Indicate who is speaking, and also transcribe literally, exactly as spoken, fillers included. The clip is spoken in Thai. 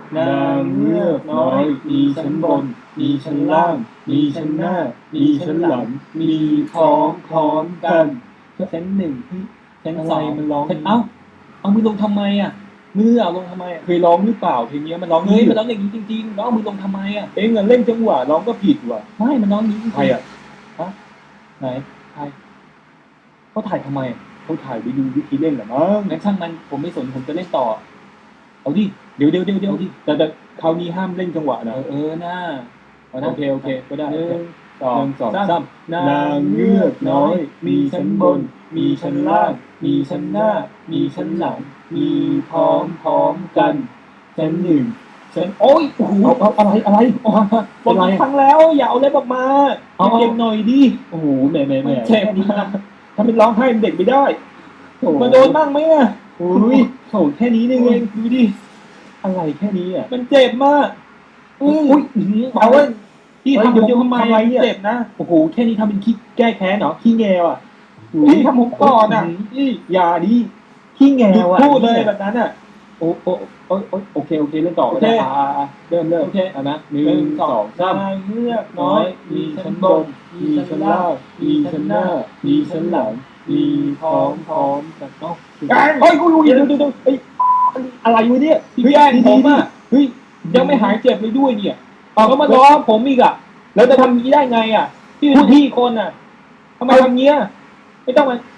Speaker 1: นางเงือกน้อยมีชั้นบนมีชั้นล่างมีชั้นหน้ามีชั้นหลังมีพร้อมพร้อมกันชั้นหนึ่งชั้นสองมันร้องเอ้าเอามือลงทำไมอ่ะมือเอาลงทำไมเคยร้องหรือเปล่าเพลงนี้มันร้องเฮ้ยมันร้องอย่างนี้จริงๆแล้วเอามือลงทำไมอ่ะเอ็งเล่นจังหวะร้องก็ผิดว่ะไม่มันร้องนี้ใครอ่ะฮะไหนใครเขาถ่ายทำไมเขาถ่ายไปดูวิธีเล่นเหรอมั้งงั้นช่างมันผมไม่สนผมจะเล่นต่อเอาดิเดี๋ยวเดี๋ยวเดี๋ยวเดี๋ยวดิแต่แต่คราวนี้ห้ามเล่นจังหวะนะเออหน้าโอเคโอเคก็ได้หนึ่งสองสองสามนางเงือกน้อยมีชั้นบนมีชั้นล่างมีชั้นหน้ามีชั้นหลังมีพร้อมพร้อมกันชั้นหนึ่งชั้นโอ้ยโอ้โหเอาอะไรอะไรบอกกี่ครั้งแล้วอย่าเอาเล็บออกมาเอาเก็บหน่อยดิโอ้โหแหม่แหม่แหม่เจ็บมากถ้าเป็นร้องไห้เป็นเด็กไม่ได้มาโดนบ้างไหมอ่ะโอ้ยโถแค่นี้นี่เองดูดิอะไรแค่นี้อ่ะมันเจ็บมากอุ้ยเอาไว้ที่ทำเดี๋ยวทำไมเจ็บนะโอ้โหแค่นี้ทำเป็นขี้แก้แค้นเหรอขี้แงวอ่ะพี่ทำผมก่อนอ่ะนี่อย่าดิขี้แงวอ่ะพูดเลยแบบนั้นอ่ะโอ้โอ้โอ้โอเคโอเคเล่นต่อโอเคเริ่มเริ่มโอเคอ่ะนะหนึ่งสองสามเงือกน้อยมีชั้นบนมีชั้นล่างมีชั้นหน้ามีชั้นหลังมีพร้อมพร้อมกันเนาะเฮ้ยกูอยู่เดี๋ยวเดี๋ยวเดี๋ยวเฮ้ยอะไรวะเนี่ยพี่แอนผมอ่ะเฮ้ยยังไม่หายเจ็บเลยด้วยเนี่ยแล้วมาล้อผมอีกอ่ะแล้วจะทำนี้ได้ไงอ่ะพี่เป็นพี่คนอ่ะทำไมทำเงี้ยไม่ต้องมา